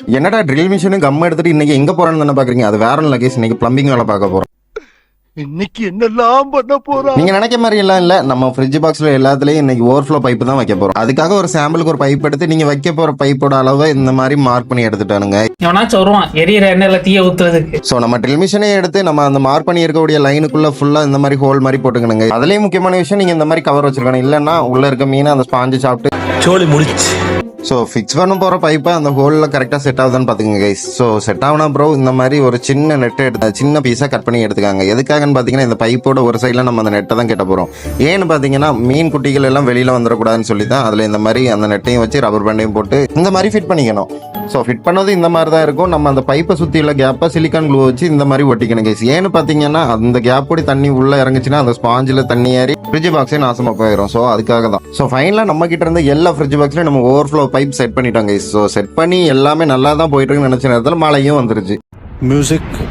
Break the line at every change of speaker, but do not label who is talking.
என்னடா drill மிஷினும் come எடுத்துட்டு இன்னைக்கு எங்க போறேன்னு தானே பாக்குறீங்க? அது வேற ஒன்றும் கேஸ். இன்னைக்கு பிளம்பிங் வேலை பார்க்க போறோம்.
இன்னைக்கு என்னெல்லாம் பண்ண போறா?
நீங்க நினைக்க மாதிரி எல்லாம் இல்ல. நம்ம ஃப்ரிட்ஜ் பாக்ஸ்ல எல்லாத்துலயும் இன்னைக்கு ஓவர்ஃப்ளோ பைப் தான் வைக்க போறோம். அதுக்காக ஒரு சாம்பிளுக்கு ஒரு பைப் எடுத்து நீங்க வைக்க போற பைப்போட அளவை இந்த மாதிரி மார்க் பண்ணி எடுத்துட்டானுங்க.
எவனாச்சும் வருவான் எரியற எண்ணெயில தீய ஊத்துறதுக்கு.
சோ நம்ம ட்ரில் மிஷினே எடுத்து நம்ம அந்த மார்க் பண்ணி இருக்கக்கூடிய லைனுக்குள்ள ஃபுல்லா இந்த மாதிரி ஹோல் மாதிரி போட்டுக்கணுங்க. அதுலயும் முக்கியமான விஷயம், நீங்க இந்த மாதிரி கவர் வச்சிருக்கணும். இல்லன்னா உள்ள இருக்க மீன் அந்த ஸ்பாஞ்சு சாப்பிட்டு
சோலி முடிச்சு.
ஸோ ஃபிக்ஸ் பண்ண போகிற பைப்பை அந்த ஹோலில் கரெக்டாக செட் ஆகுதான்னு பார்த்துக்கங்க கைஸ். ஸோ செட் ஆகுனா ப்ரோ இந்த மாதிரி ஒரு சின்ன நெட்டை எடுத்து சின்ன பீஸாக கட் பண்ணி எடுத்துக்காங்க. எதுக்காகன்னு பார்த்தீங்கன்னா இந்த பைப்போட ஒரு சைடில் நம்ம அந்த நெட்டை தான் கட்ட போகிறோம். ஏன்னு பார்த்தீங்கன்னா மீன் குட்டிகள் எல்லாம் வெளியில் வந்துடக்கூடாதுன்னு சொல்லி தான் அதில் இந்த மாதிரி அந்த நெட்டையும் வச்சு ரப்பர் பேண்டையும் போட்டு இந்த மாதிரி ஃபிட் பண்ணிக்கணும். ஸோ ஃபிட் பண்ணது இந்த மாதிரி தான் இருக்கும். நம்ம அந்த பைப்பை சுற்றி உள்ள கேப்பை சிலிக்கான் க்ளூ வச்சு இந்த மாதிரி ஒட்டிக்கணும் கைஸ். ஏன்னு பார்த்தீங்கன்னா அந்த கேப்போடி தண்ணி உள்ளே இறங்குச்சுன்னா அந்த ஸ்பாஞ்சில் தண்ணி ஏறி ஃப்ரிட்ஜ் பாக்ஸே நாசமாக போயிடும். ஸோ அதுக்காக தான். ஸோ ஃபைனலாக நம்ம கிட்ட இருந்து எல்லா ஃப்ரிட்ஜ் பாக்ஸ்லையும் நம்ம ஓவர்ஃப்ளோ பைப் செட் பண்ணிட்டோம் கைஸ். ஸோ செட் பண்ணி எல்லாமே நல்லா தான் போயிட்டு இருக்குன்னு நினச்ச நேரத்தில் மழையும் வந்துருச்சு.
மியூசிக்